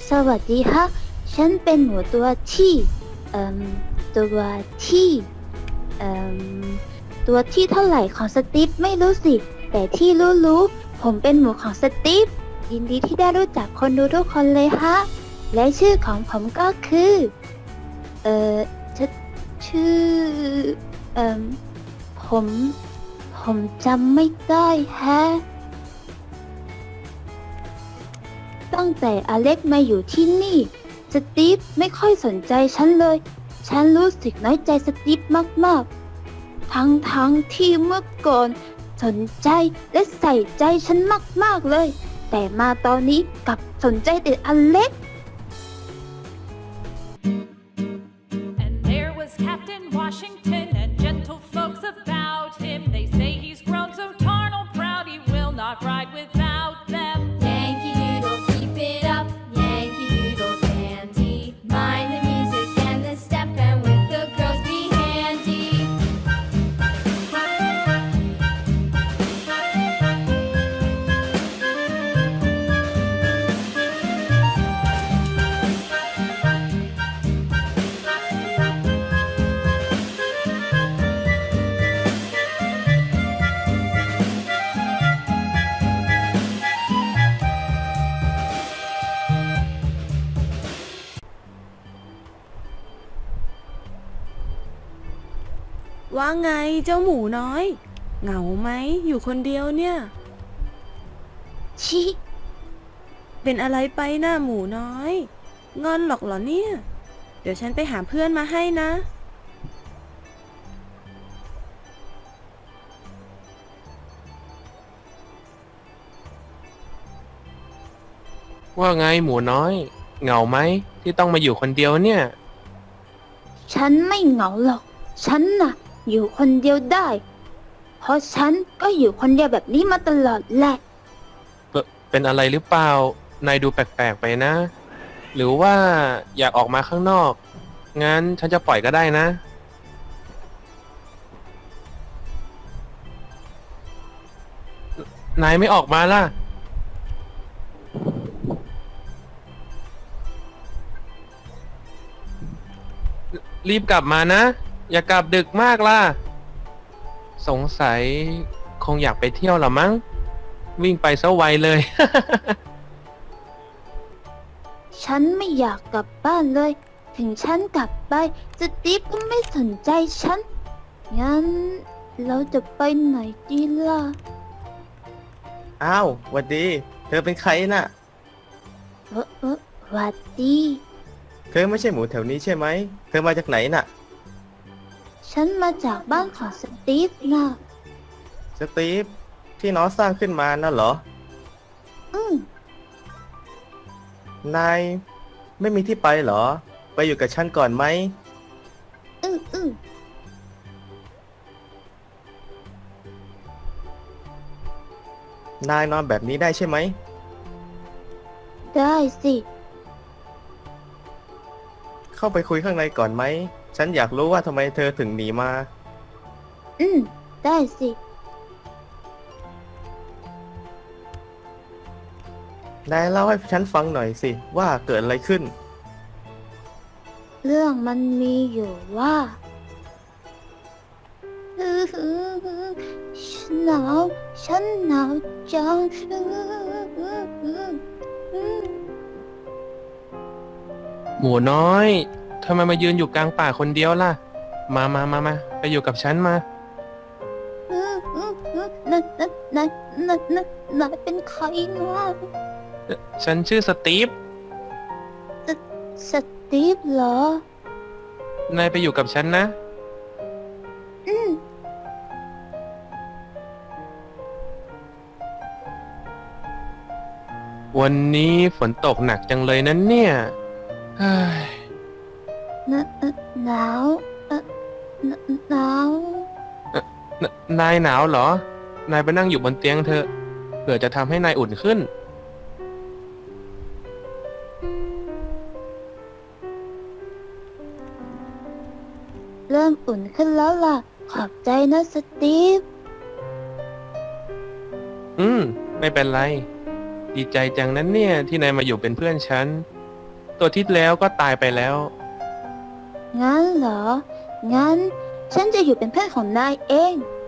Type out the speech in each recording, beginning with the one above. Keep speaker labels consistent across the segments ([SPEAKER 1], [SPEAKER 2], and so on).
[SPEAKER 1] สวัสดีฮะ ฉันเป็นหมูตัวที่เอ่มตัวที่เอ่มตัวที่เท่าไหร่ของสตีฟไม่รู้สิ แต่ที่รู้ผมเป็นหมูของสตีฟยินดีที่ได้รู้จักคนดูทุกคนเลยฮะ และชื่อของผมก็คือเอ่อชชื่อเอ่มผมผมจำไม่ได้แฮะ ตั้งแต่อเล็กมาอยู่ที่นี่ สตีฟไม่ค่อยสนใจฉันเลย ฉันรู้สึกน้อยใจสตีฟมากๆ ทั้งที่เมื่อก่อนสนใจและใส่ใจฉันมากๆเลย แต่มาตอนนี้กลับสนใจแต่อเล็ก
[SPEAKER 2] And there was Captain Washington and gentle folks about him. They say he's grown so tarnal proud he will not ride without them.
[SPEAKER 3] Yankee Doodle, keep it up, Yankee Doodle dandy. Mind the music and the step, and with the girls be handy.
[SPEAKER 4] ว่าไงเจ้าหมูน้อย เหงาไหมอยู่คนเดียวเนี่ย
[SPEAKER 1] ชิ
[SPEAKER 4] เป็นอะไรไปหน้าหมูน้อย งอนหรอกเหรอเนี่ย เดี๋ยวฉันไปหาเพื่อนมาให้นะ
[SPEAKER 5] ว่าไงหมูน้อย เหงาไหมที่ต้องมาอยู่คนเดียวเนี่ย
[SPEAKER 1] ฉันไม่เหงาหรอก ฉันน่ะ อยู่คนเดียวได้ เพราะฉันก็อยู่คนเดียวแบบนี้มาตลอดแหละ
[SPEAKER 5] เป็นอะไรหรือเปล่านายดูแปลกๆไปนะ หรือว่าอยากออกมาข้างนอก งั้นฉันจะปล่อยก็ได้นะ นายไม่ออกมาล่ะ รีบกลับมานะ อย่ากลับดึกมากล่ะ สงสัยคงอยากไปเที่ยวหรอมั้ง วิ่งไปซะไวเลย
[SPEAKER 1] ฉันไม่อยากกลับบ้านเลย ถึงฉันกลับไปสตีฟก็ไม่สนใจฉัน งั้นเราจะไปไหนดีล่ะ
[SPEAKER 6] อ้าวหวัดดี เธอเป็นใครน่ะ
[SPEAKER 1] หวัดดี
[SPEAKER 6] เธอไม่ใช่หมูแถวนี้ใช่ไหม เธอมาจากไหนน่ะ
[SPEAKER 1] ฉันมาจากบ้านของสตีฟนะ
[SPEAKER 6] สตีฟที่น้องสร้างขึ้นมาน่ะเหรอ
[SPEAKER 1] อืม
[SPEAKER 6] นายไม่มีที่ไปเหรอ ไปอยู่กับฉันก่อนไหม
[SPEAKER 1] อืม
[SPEAKER 6] นายนอนแบบนี้ได้ใช่ไหม
[SPEAKER 1] ได้สิ
[SPEAKER 6] เข้าไปคุยข้างในก่อนไหม ฉันอยากรู้ว่าทำไมเธอถึงหนีมา
[SPEAKER 1] ได้สิ
[SPEAKER 6] นายเล่าให้ฉันฟังหน่อยสิว่าเกิดอะไรขึ้น
[SPEAKER 1] เรื่องมันมีอยู่ว่า ฉันหนาวจัง
[SPEAKER 5] หมูน้อยทำไมมายืนอยู่กลางป่าคนเดียวล่ะ มาไปอยู่กับฉันมา
[SPEAKER 1] นายเป็นใครนะ
[SPEAKER 5] ฉันชื่อสตีฟ
[SPEAKER 1] สตีฟเหรอ
[SPEAKER 5] นายไปอยู่กับฉันนะ
[SPEAKER 1] อืม
[SPEAKER 5] วันนี้ฝนตกหนักจังเลยนั้นเนี่ยเฮ้ย
[SPEAKER 1] หนาวหนาว
[SPEAKER 5] นายหนาวเหรอ นายไปนั่งอยู่บนเตียงเถอะ เผื่อจะทำให้นายอุ่นขึ้น
[SPEAKER 1] เริ่มอุ่นขึ้นแล้วล่ะ ขอบใจนะสตีฟ
[SPEAKER 5] ไม่เป็นไร ดีใจจังนั้นเนี่ยที่นายมาอยู่เป็นเพื่อนฉันตัวที่แล้วก็ตายไปแล้ว
[SPEAKER 1] งั้นเหรอ งั้น ฉันจะอยู่เป็นเพื่อนของนายเอง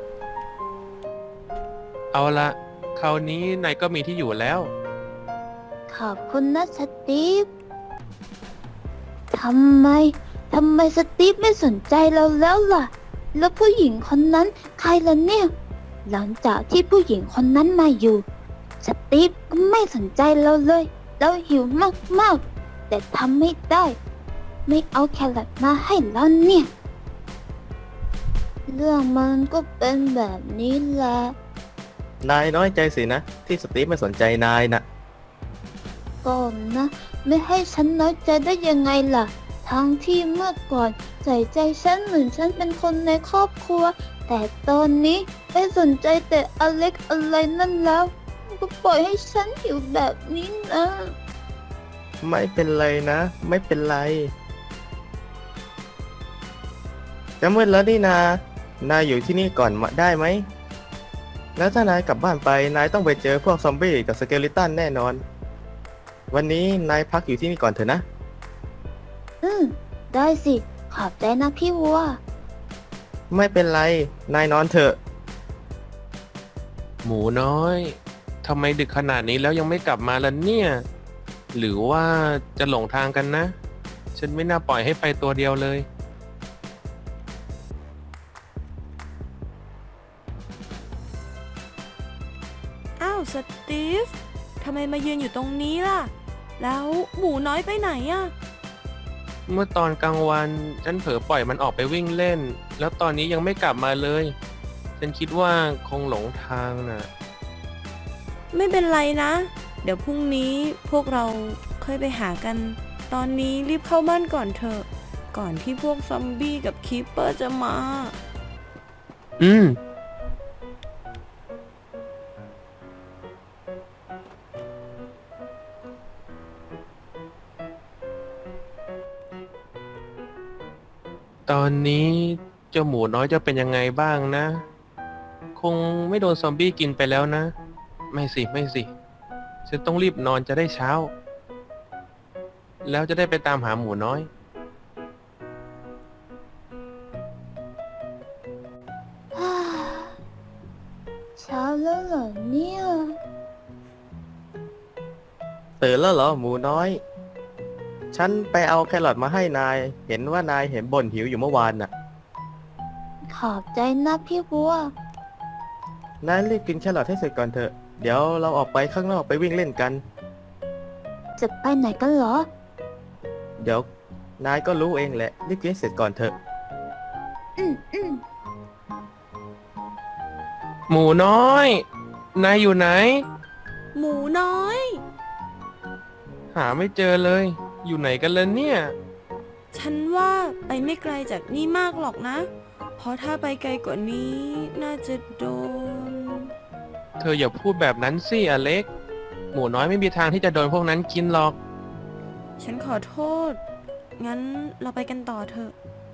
[SPEAKER 5] เอาละคราวนี้นายก็มีที่อยู่แล้ว
[SPEAKER 1] ขอบคุณนะสตีฟ ทำไมสตีฟไม่สนใจเราแล้วล่ะ แล้วผู้หญิงคนนั้นใครล่ะเนี่ย หลังจากที่ผู้หญิงคนนั้นมาอยู่ สตีฟก็ไม่สนใจเราเลย เราหิวมากๆ แต่ทำไม่ได้ ไม่เอาแครอทมาให้เราเนี่ย เรื่องมันก็เป็นแบบนี้แหละ
[SPEAKER 6] นายน้อยใจสินะ ที่สตีฟไม่สนใจนายน่ะ
[SPEAKER 1] ก่อนนะ ไม่ให้ฉันน้อยใจได้ยังไงล่ะ ทั้งที่เมื่อก่อนใส่ใจฉันเหมือนฉันเป็นคนในครอบครัว แต่ตอนนี้ไม่สนใจแต่อเล็กอะไรนั่นแล้ว ก็ปล่อยให้ฉันอยู่แบบนี้นะ
[SPEAKER 6] ไม่เป็นไรนะ ไม่เป็นไรจะมืดแล้วนี่นา นายอยู่ที่นี่ก่อนมาได้ไหม แล้วถ้านายกลับบ้านไป นายต้องไปเจอพวกซอมบี้กับสเกลิตันแน่นอน วันนี้นายพักอยู่ที่นี่ก่อนเถอะนะ
[SPEAKER 1] ได้สิ ขอบใจนะพี่วัว
[SPEAKER 6] ไม่เป็นไร นายนอนเถอะ
[SPEAKER 5] หมูน้อยทำไมดึกขนาดนี้แล้วยังไม่กลับมาล่ะเนี่ย หรือว่าจะหลงทางกันนะ ฉันไม่น่าปล่อยให้ไปตัวเดียวเลย
[SPEAKER 4] อ้าวสตีฟ ทำไมมายืนอยู่ตรงนี้ล่ะ แล้วหมูน้อยไปไหนอะ
[SPEAKER 5] เมื่อตอนกลางวันฉันเผลอปล่อยมันออกไปวิ่งเล่น แล้วตอนนี้ยังไม่กลับมาเลย ฉันคิดว่าคงหลงทางน่ะ
[SPEAKER 4] ไม่เป็นไรนะ เดี๋ยวพรุ่งนี้พวกเราค่อยไปหากัน ตอนนี้รีบเข้าบ้านก่อนเถอะ ก่อนที่พวกซอมบี้กับคีปเปอร์จะมา
[SPEAKER 5] อืม ตอนนี้เจ้าหมูน้อยจะเป็นยังไงบ้างนะ คงไม่โดนซอมบี้กินไปแล้วนะ ไม่สิ ฉันต้องรีบนอนจะได้เช้า แล้วจะได้ไปตามหาหมูน้อย
[SPEAKER 1] เช้าแล้วเหรอเนี่ย
[SPEAKER 6] ตื่นแล้วเหรอหมูน้อย ฉันไปเอาแครอทมาให้นาย เห็นว่านายเห็นบ่นหิวอยู่เมื่อวานน่ะ
[SPEAKER 1] ขอบใจนะพี่วัว
[SPEAKER 6] นายรีบกินแครอทให้เสร็จก่อนเถอะ เดี๋ยวเราออกไปข้างนอกไปวิ่งเล่นกัน
[SPEAKER 1] จะไปไหนกันเหรอ
[SPEAKER 6] เดี๋ยวนายก็รู้เองแหละ รีบกินให้เสร็จก่อนเถอะ
[SPEAKER 1] อืม
[SPEAKER 5] หมูน้อย นายอยู่ไหน
[SPEAKER 4] หมูน้อย
[SPEAKER 5] หาไม่เจอเลย อยู่ไหนกันเลยเนี่ย
[SPEAKER 4] ฉันว่าไปไม่ไกลจากนี่มากหรอกนะ เพราะถ้าไปไกลกว่านี้น่าจะโดน
[SPEAKER 5] เธออย่าพูดแบบนั้นสิอเล็ก หมูน้อยไม่มีทางที่จะโดนพวกนั้นกินหรอก
[SPEAKER 4] ฉันขอโทษ งั้นเราไปกันต่อเถอะ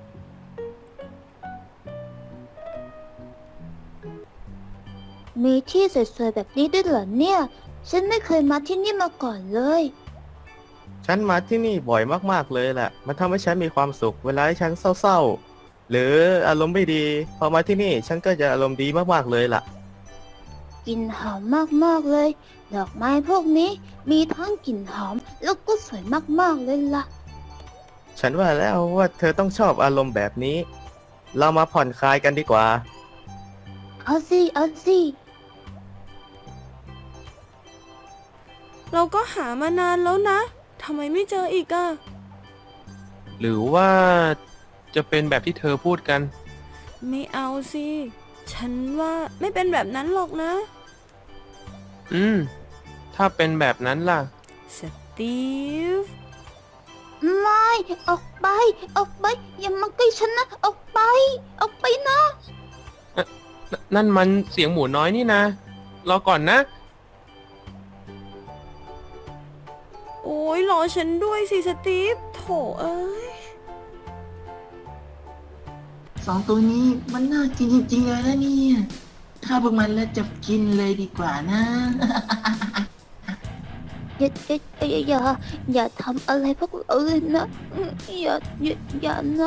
[SPEAKER 1] มีที่สวยๆแบบนี้ด้วยเหรอเนี่ย ฉันไม่เคยมาที่นี่มาก่อนเลย
[SPEAKER 6] ฉันมาที่นี่บ่อยมากๆเลยแหละ มันทำให้ฉันมีความสุข เวลาที่ฉันเศร้าๆ หรืออารมณ์ไม่ดี พอมาที่นี่ฉันก็จะอารมณ์ดีมากๆเลยล่ะ
[SPEAKER 1] กลิ่นหอมมากๆเลย ดอกไม้พวกนี้มีทั้งกลิ่นหอมแล้วก็สวยมากๆเลยล่ะ
[SPEAKER 6] ฉันว่าแล้วว่าเธอต้องชอบอารมณ์แบบนี้ เรามาผ่อนคลายกันดีกว่า
[SPEAKER 1] เอาสิ
[SPEAKER 4] เราก็หามานานแล้วนะ ทำไมไม่เจออีกอะ
[SPEAKER 5] หรือว่าจะเป็นแบบที่เธอพูดกัน
[SPEAKER 4] ไม่เอาสิ ฉันว่าไม่เป็นแบบนั้นหรอกนะ
[SPEAKER 5] ถ้าเป็นแบบนั้นล่ะ
[SPEAKER 4] สตีฟ
[SPEAKER 1] ไม่ ออกไป อย่ามาใกล้ฉันนะ ออกไปนะ
[SPEAKER 5] นั่นมันเสียงหมูน้อยนี่นะ รอก่อนนะ
[SPEAKER 4] โอ้ยรอฉันด้วยสิสตีฟ โถเอ้ย
[SPEAKER 7] สองตัวนี้มันน่ากินจริงๆเลยนะเนี่ยฆ่าพวกมันแล้วจับกินเลยดีกว่านะ
[SPEAKER 1] อย่าทำอะไรพวกเราเลยนะอย่านะ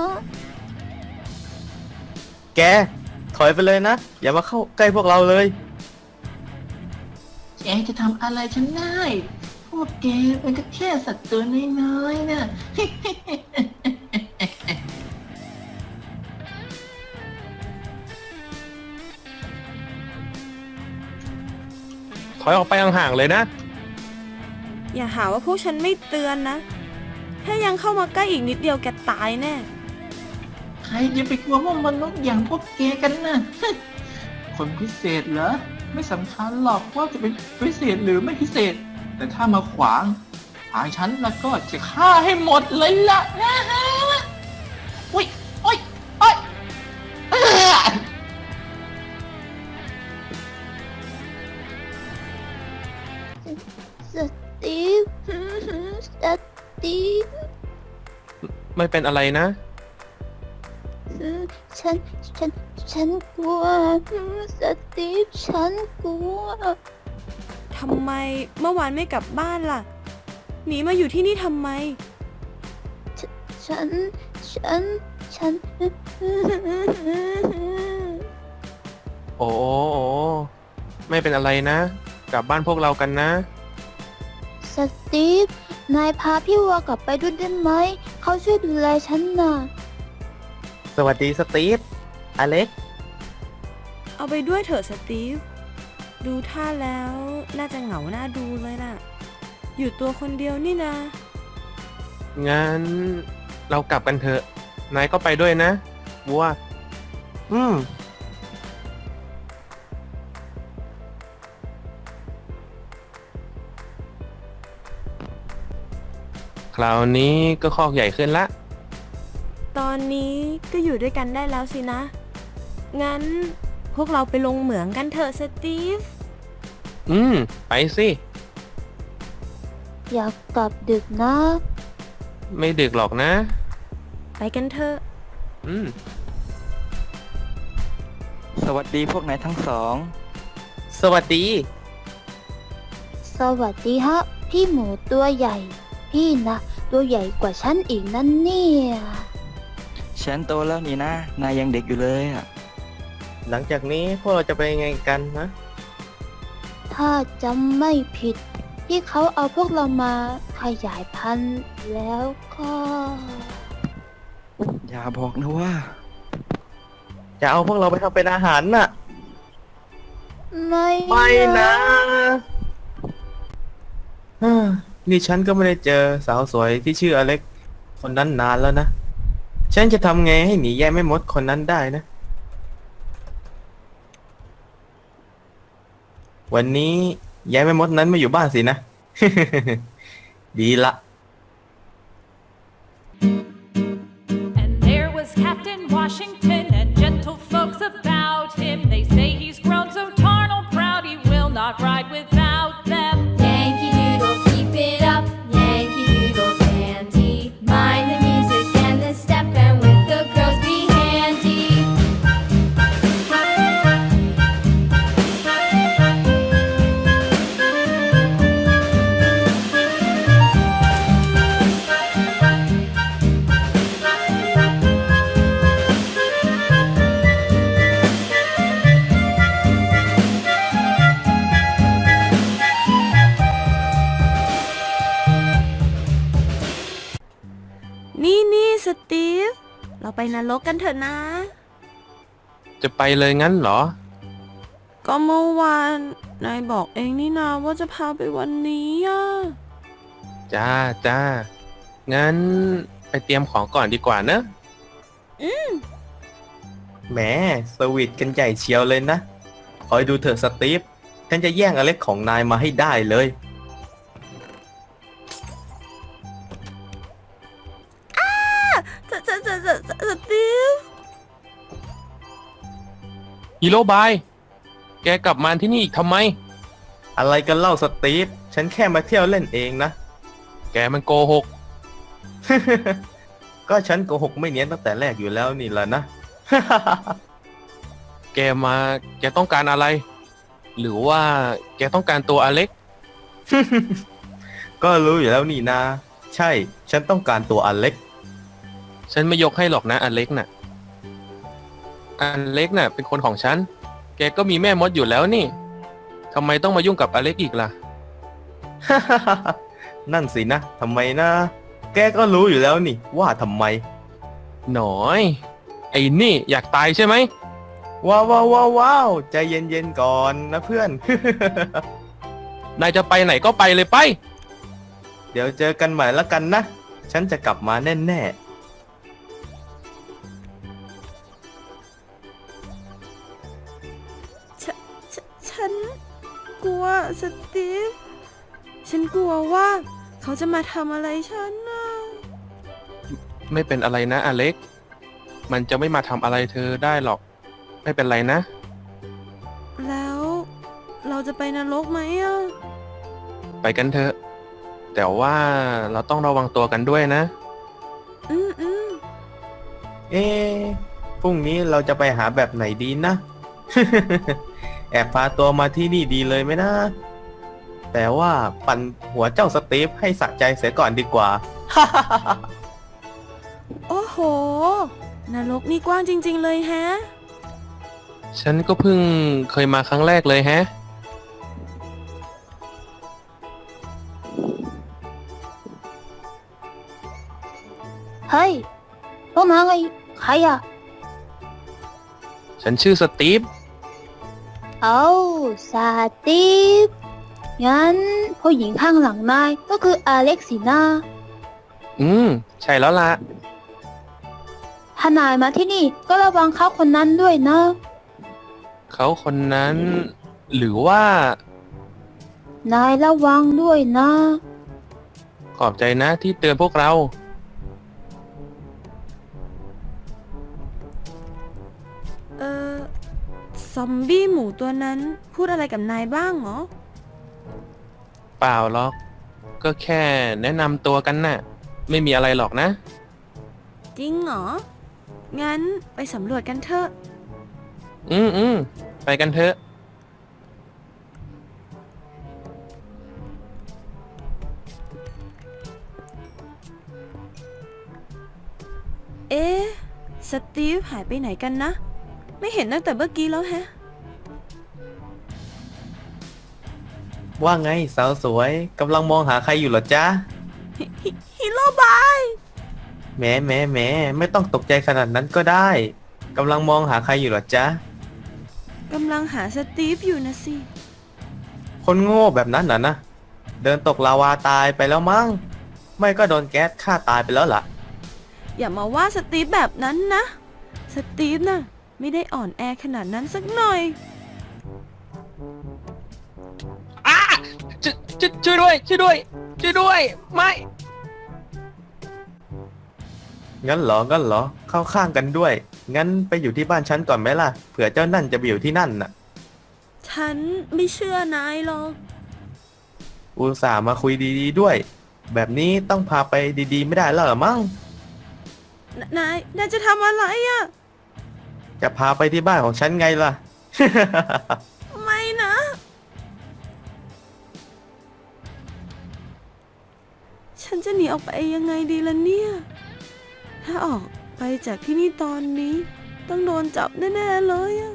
[SPEAKER 6] แก ถอยไปเลยนะ อย่ามาเข้าใกล้พวกเราเลย
[SPEAKER 7] แกจะทำอะไรฉันได้ พวกแกเป็นก็แค่สัตว์ตัวน้อยๆนะ
[SPEAKER 5] ถอยออกไปห่างๆเลยนะ
[SPEAKER 4] อย่าหาว่าพวกฉันไม่เตือนนะ ถ้ายังเข้ามาใกล้อีกนิดเดียวแกตายแน่
[SPEAKER 7] ใครจะไปกลัวว่ามนุษย์อย่างพวกแกกันนะ คนพิเศษเหรอ ไม่สำคัญหรอกว่าจะเป็นพิเศษหรือไม่พิเศษ แต่ถ้ามาขวางทางฉันแล้วก็จะฆ่าให้หมดเลยล่ะนะฮะอุ้ยโอ้ยโอ้ยเอ้อ
[SPEAKER 1] สตีฟสตีฟ
[SPEAKER 5] ไม่เป็นอะไรนะ
[SPEAKER 1] ฉันฉันกลัวสตีฟฉันกลัว
[SPEAKER 4] ทำไมเมื่อวานไม่กลับบ้านล่ะ หนีมาอยู่ที่นี่ทำไม
[SPEAKER 1] ฉัน
[SPEAKER 5] โอ้ไม่เป็นอะไรนะ กลับบ้านพวกเรากันนะ
[SPEAKER 1] สตีฟ นายพาพี่วัวกลับไปด้วยได้ไหม เขาช่วยดูแลฉันน่ะ
[SPEAKER 6] สวัสดีสตีฟ อเล็ก
[SPEAKER 4] เอาไปด้วยเถอะสตีฟ ดูท่าแล้วน่าจะเหงาหน้าดูเลยน่ะ อยู่ตัวคนเดียวนี่นะ
[SPEAKER 5] งั้นเรากลับกันเถอะ นายก็ไปด้วยนะบัว
[SPEAKER 6] อืม
[SPEAKER 5] คราวนี้ก็คอกใหญ่ขึ้นละ
[SPEAKER 4] ตอนนี้ก็อยู่ด้วยกันได้แล้วสินะ งั้นพวกเราไปลงเหมืองกันเถอะสตีฟ
[SPEAKER 5] ไปสิ
[SPEAKER 1] อยากกลับดึกนะ
[SPEAKER 5] ไม่ดึกหรอกนะ
[SPEAKER 4] ไปกันเถอะ
[SPEAKER 5] อืม
[SPEAKER 8] สวัสดีพวกนายทั้งสอง
[SPEAKER 6] สวัสดี
[SPEAKER 1] สวัสดีฮะ พี่หมูตัวใหญ่ พี่นะตัวใหญ่กว่าฉันอีกนั่นเนี่ย
[SPEAKER 8] ฉันโตแล้วนี่นะ นายยังเด็กอยู่เลยอ่ะ
[SPEAKER 6] หลังจากนี้พวกเราจะไปยังไงกันนะ
[SPEAKER 1] ถ้าจำไม่ผิด ที่เขาเอาพวกเรามาขยายพันธุ์แล้วก็
[SPEAKER 8] อย่าบอกนะว่า
[SPEAKER 6] จะเอาพวกเราไปทำเป็นอาหารน่ะ
[SPEAKER 1] ไม่
[SPEAKER 6] ไม่นะฮ่านี่ฉันก็ไม่ได้เจอสาวสวยที่ชื่ออเล็ก คนนั้นนานแล้วนะ ฉันจะทำไงให้หนีแย่แม่มดคนนั้นได้นะ วันนี้แย่แม่มดนั้นไม่อยู่บ้านสินะ ดีละ
[SPEAKER 2] And there was Captain Washington and gentle folks about him. They say he's grown so tarnal proud he will not ride without them.
[SPEAKER 3] Yankee Doodle, keep it up. Yankee Doodle dandy. Mind the music and the step, and with the girls be handy.
[SPEAKER 4] นี่สตีฟ เราไปนรกกันเถอะนะ
[SPEAKER 5] จะไปเลยงั้นเหรอ
[SPEAKER 4] ก็เมื่อวานนายบอกเองนี่นาว่าจะพาไปวันนี้อ่ะ
[SPEAKER 5] จ้า งั้นไปเตรียมของก่อนดีกว่าเนอะ
[SPEAKER 6] แหมสวีทกันใหญ่เชียวเลยนะ คอยดูเถอะสตีฟ ฉันจะแย่งอเล็กของนายมาให้ได้เลย
[SPEAKER 4] สตีฟ
[SPEAKER 5] ฮีโร่บาย แกกลับมาที่นี่อีกทำไม
[SPEAKER 6] อะไรกันเล่าสตีฟ ฉันแค่มาเที่ยวเล่นเองนะ
[SPEAKER 5] แกมันโกหก
[SPEAKER 6] ก็ฉันโกหกไม่เนียนตั้งแต่แรกอยู่แล้วนี่แหละนะ
[SPEAKER 5] แกต้องการอะไร หรือว่าแกต้องการตัวอเล็ก
[SPEAKER 6] ก็รู้อยู่แล้วนี่นา ใช่ ฉันต้องการตัวอเล็ก
[SPEAKER 5] ฉันไม่ยกให้หรอกนะอเล็กน่ะอเล็กน่ะเป็นคนของฉัน แกก็มีแม่มดอยู่แล้วนี่ทำไมต้องมายุ่งกับอเล็กอีกล่ะ
[SPEAKER 6] นั่นสินะทำไมนะ แกก็รู้อยู่แล้วนี่ว่าทำไม
[SPEAKER 5] หน่อย ไอ้นี่อยากตายใช่ไหม
[SPEAKER 6] ว้าวว้าวว้าวว้าวใจเย็นๆก่อนนะเพื่อน
[SPEAKER 5] นายจะไปไหนก็ไปเลยไป
[SPEAKER 6] เดี๋ยวเจอกันใหม่ละกันนะ ฉันจะกลับมาแน่
[SPEAKER 4] ฉันกลัวสตีฟ ฉันกลัวว่าเขาจะมาทำอะไรฉันนะ
[SPEAKER 5] ไม่เป็นอะไรนะอเล็ก มันจะไม่มาทำอะไรเธอได้หรอก ไม่เป็นไรนะ
[SPEAKER 4] แล้วเราจะไปนรกไหมอ่ะ
[SPEAKER 5] ไปกันเถอะ แต่ว่าเราต้องระวังตัวกันด้วยนะ
[SPEAKER 4] อืม
[SPEAKER 6] ๆ เอ๊ะพรุ่งนี้เราจะไปหาแบบไหนดีนะ แอบพาตัวมาที่นี่ดีเลยไหมนะ แต่ว่าปั่นหัวเจ้าสตีฟให้สะใจเสียก่อนดีกว่า
[SPEAKER 4] โอ้โห นรกนี่กว้างจริงๆเลยแฮะ
[SPEAKER 5] ฉันก็เพิ่งเคยมาครั้งแรกเลยแฮะ
[SPEAKER 1] เฮ้ย พวกนายใครอ่ะ
[SPEAKER 5] ฉันชื่อสตีฟ
[SPEAKER 1] เอาสตีฟงั้นผู้หญิงข้างหลังนายก็คืออเล็กสินะ
[SPEAKER 5] ใช่แล้วล่ะ
[SPEAKER 1] ถ้านายมาที่นี่ก็ระวังเขาคนนั้นด้วยนะ
[SPEAKER 5] เขาคนนั้น หรือว่า
[SPEAKER 1] นายระวังด้วยนะ
[SPEAKER 5] ขอบใจนะที่เตือนพวกเรา
[SPEAKER 4] เออซอมบี้หมูตัวนั้นพูดอะไรกับนายบ้างเหรอ
[SPEAKER 5] เปล่าหรอก ก็แค่แนะนำตัวกันน่ะ ไม่มีอะไรหรอกนะ
[SPEAKER 4] จริงเหรอ งั้นไปสำรวจกันเถอะ
[SPEAKER 5] ไปกันเถอะ
[SPEAKER 4] เอ๊ะ สตีฟหายไปไหนกันนะ ไม่เห็นตั้งแต่เมื่อกี้แล้วแฮะ
[SPEAKER 6] ว่าไงสาวสวยกำลังมองหาใครอยู่เหรอจ๊ะ
[SPEAKER 4] ฮีโร่บาย
[SPEAKER 6] แหมไม่ต้องตกใจขนาดนั้นก็ได้กำลังมองหาใครอยู่เหรอจ๊ะ
[SPEAKER 4] กำลังหาสตีฟอยู่นะสิ
[SPEAKER 6] คนโง่แบบนั้นนะ เดินตกลาวาตายไปแล้วมั้ง ไม่ก็โดนแก๊สฆ่าตายไปแล้วล่ะ
[SPEAKER 4] อย่ามาว่าสตีฟแบบนั้นนะ สตีฟน่ะ ไม่ได้อ่อนแอขนาดนั้นสักหน่อย
[SPEAKER 5] ช่วยด้วย ช่วยด้วย ช่วยด้วย ไม่
[SPEAKER 6] งั้นเหรอ เข้าข้างกันด้วย งั้นไปอยู่ที่บ้านฉันก่อนไหมล่ะ เผื่อเจ้านั่นจะไปอยู่ที่นั่นน่ะ
[SPEAKER 4] ฉันไม่เชื่อนายหรอก
[SPEAKER 6] อุตส่าห์มาคุยดีๆด้วย แบบนี้ต้องพาไปดีๆไม่ได้แล้วเหรอมั้ง
[SPEAKER 4] นายจะทำอะไรอะ
[SPEAKER 6] จะพาไปที่บ้านของฉันไงล่ะ
[SPEAKER 4] ไม่นะ ฉันจะหนีออกไปยังไงดีล่ะเนี่ย ถ้าออกไปจากที่นี่ตอนนี้ ต้องโดนจับแน่ๆเลยอะ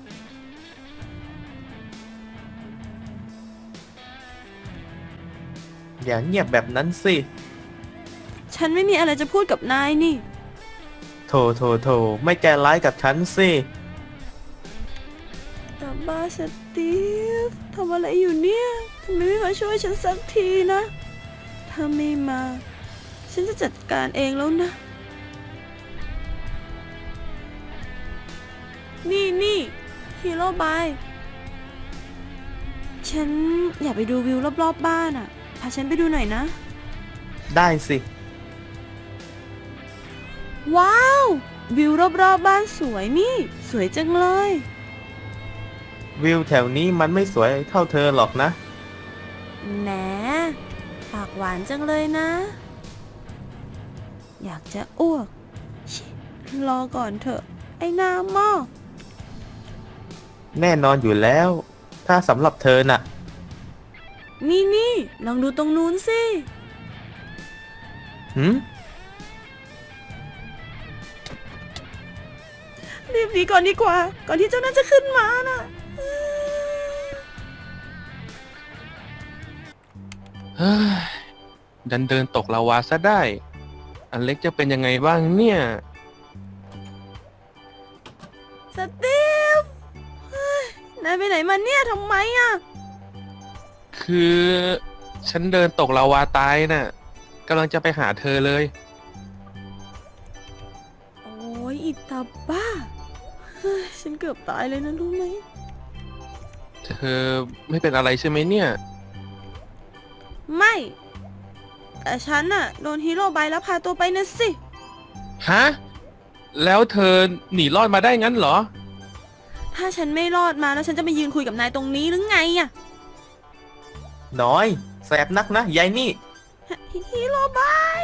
[SPEAKER 6] อย่าเงียบแบบนั้นสิ
[SPEAKER 4] ฉันไม่มีอะไรจะพูดกับนายนี่
[SPEAKER 6] โถไม่ใจร้ายกับฉันสิ
[SPEAKER 4] แต่บ้าสตีฟทำอะไรอยู่เนี่ยทำไมไม่มาช่วยฉันสักทีนะ ถ้าไม่มา ฉันจะจัดการเองแล้วนะ นี่ฮีโร่บาย ฉันอยากไปดูวิวรอบๆบ้านอ่ะ พาฉันไปดูหน่อยนะ
[SPEAKER 6] ได้สิ
[SPEAKER 4] ว้าว วิวรอบๆบ้านสวยนี่ สวยจังเลย
[SPEAKER 6] วิวแถวนี้มันไม่สวยเท่าเธอหรอกนะ
[SPEAKER 4] แหมปากหวานจังเลยนะ อยากจะอ้วกชิรอก่อนเถอะ ไอ้หน้าหม้อ
[SPEAKER 6] แน่นอนอยู่แล้ว ถ้าสำหรับเธอน่ะ
[SPEAKER 4] นี่ลองดูตรงนู้นสิ
[SPEAKER 6] หืม
[SPEAKER 4] รีบหนีก่อนดีกว่า ก่อนที่เจ้านั่นจะขึ้นมาน่ะ
[SPEAKER 5] เฮ้ยดันเดินตกลาวาซะได้ อันเล็กจะเป็นยังไงบ้างเนี่ย
[SPEAKER 4] สตีฟเฮ้ยนายไปไหนมาเนี่ยทำไมอ่ะ
[SPEAKER 5] คือฉันเดินตกลาวาตายน่ะกำลังจะไปหาเธอเลย
[SPEAKER 4] โอ้ยอิตาบ้าเฮ้ยฉันเกือบตายเลยนะรู้ไหม
[SPEAKER 5] เธอไม่เป็นอะไรใช่ไหมเนี่ย
[SPEAKER 4] ไม่ แต่ฉันน่ะโดนฮีโร่ใบแล้วพาตัวไปนะสิ
[SPEAKER 5] ฮะ แล้วเธอหนีรอดมาได้งั้นเหรอ
[SPEAKER 4] ถ้าฉันไม่รอดมาแล้วฉันจะไปยืนคุยกับนายตรงนี้หรือไงอ่ะ
[SPEAKER 6] น้อย แสบนักนะยายนี่
[SPEAKER 4] ฮีโร่ใบ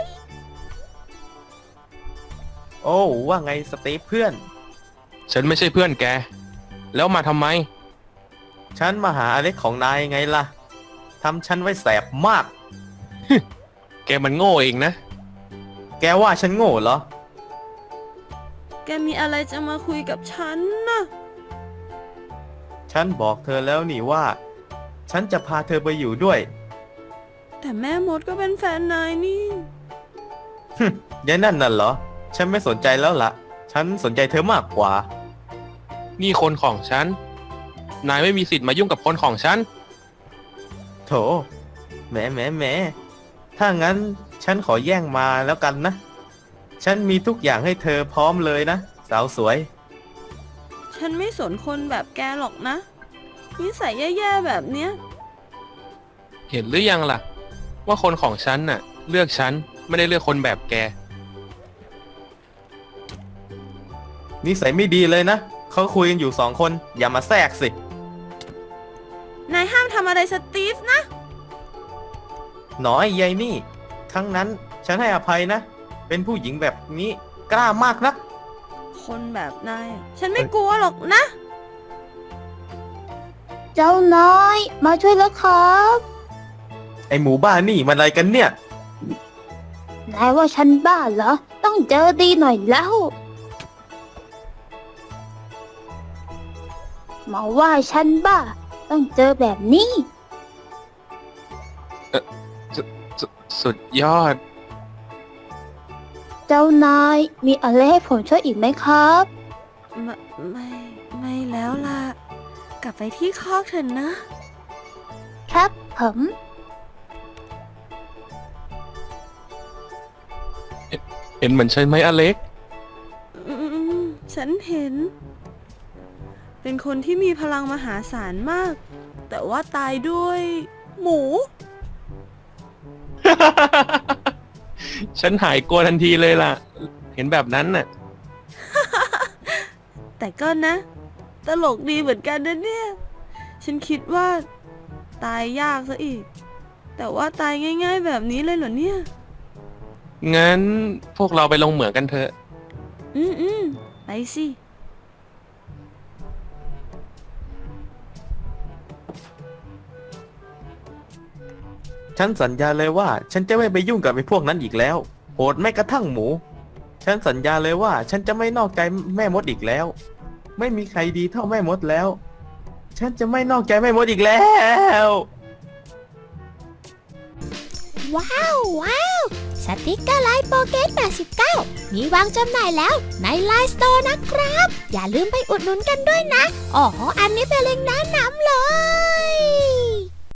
[SPEAKER 6] โอ้ว่าไงสตีฟเพื่อน
[SPEAKER 5] ฉันไม่ใช่เพื่อนแก แล้วมาทำไม
[SPEAKER 6] ฉันมาหาอเล็กของนายไงล่ะ ทำฉันไว้แสบมาก
[SPEAKER 5] แกมันโง่เองนะ
[SPEAKER 6] แกว่าฉันโง่เหรอ
[SPEAKER 4] แกมีอะไรจะมาคุยกับฉันนะ
[SPEAKER 6] ฉันบอกเธอแล้วนี่ว่า ฉันจะพาเธอไปอยู่ด้วย
[SPEAKER 4] แต่แม่มดก็เป็นแฟนนายนี่
[SPEAKER 6] ยายนั่นน่ะเหรอ ฉันไม่สนใจแล้วล่ะ ฉันสนใจเธอมากกว่า
[SPEAKER 5] นี่คนของฉัน นายไม่มีสิทธิ์มายุ่งกับคนของฉัน
[SPEAKER 6] โถแหมถ้างั้นฉันขอแย่งมาแล้วกันนะ ฉันมีทุกอย่างให้เธอพร้อมเลยนะ สาวสวย
[SPEAKER 4] ฉันไม่สนคนแบบแกหรอกนะนิสัยแย่ๆแบบเนี้ย
[SPEAKER 5] เห็นหรือยังล่ะ ว่าคนของฉันน่ะ เลือกฉันไม่ได้เลือกคนแบบแก
[SPEAKER 6] นิสัยไม่ดีเลยนะ เขาคุยกันอยู่2 คน อย่ามาแทรกสิ
[SPEAKER 4] นายห้ามทำอะไรสตีฟนะ
[SPEAKER 6] น้อยยายนี่ ครั้งนั้นฉันให้อภัยนะ เป็นผู้หญิงแบบนี้กล้ามากนะ
[SPEAKER 4] คนแบบนายอะฉันไม่กลัวหรอกนะ
[SPEAKER 1] เจ้าน้อย มาช่วยแล้วครับ
[SPEAKER 6] ไอหมูบ้านี่มันอะไรกันเนี่ย
[SPEAKER 1] นายว่าฉันบ้าเหรอ ต้องเจอดีหน่อยแล้ว มาว่าฉันบ้า ต้องเจอแบบนี้
[SPEAKER 5] สุดยอด
[SPEAKER 1] เจ้านายมีอะไรให้ผมช่วยอีกไหมครับ
[SPEAKER 4] ไม่แล้วล่ะ กลับไปที่คอกเถอะนะ
[SPEAKER 1] ครับผม
[SPEAKER 5] เห็นเหมือนฉันไหมอเล็ก
[SPEAKER 4] อืมฉันเห็น เป็นคนที่มีพลังมหาศาลมาก แต่ว่าตายด้วย หมู
[SPEAKER 5] ฉันหายกลัวทันทีเลยล่ะ เห็นแบบนั้นน่ะ
[SPEAKER 4] แต่ก็นะ ตลกดีเหมือนกันนะเนี่ย ฉันคิดว่า ตายยากซะอีก แต่ว่าตายง่ายๆแบบนี้เลยเหรอเนี่ย
[SPEAKER 5] งั้นพวกเราไปลงเหมืองกันเถอะ
[SPEAKER 4] ไปสิ
[SPEAKER 6] ฉันสัญญาเลยว่า ฉันจะไม่ไปยุ่งกับไอ้พวกนั้นอีกแล้ว โหดแม้กระทั่งหมู ฉันสัญญาเลยว่า ฉันจะไม่นอกใจแม่มดอีกแล้ว ไม่มีใครดีเท่าแม่มดแล้ว ฉันจะไม่นอกใจแม่มดอีกแล้ว
[SPEAKER 9] ว้าว สติกเกอร์ไลน์โปเกต89 มีวางจำหน่ายแล้วในไลน์สโตร์นะครับ อย่าลืมไปอุดหนุนกันด้วยนะ อ๋อ อันนี้เป็นเล็งก์แนะนำเลย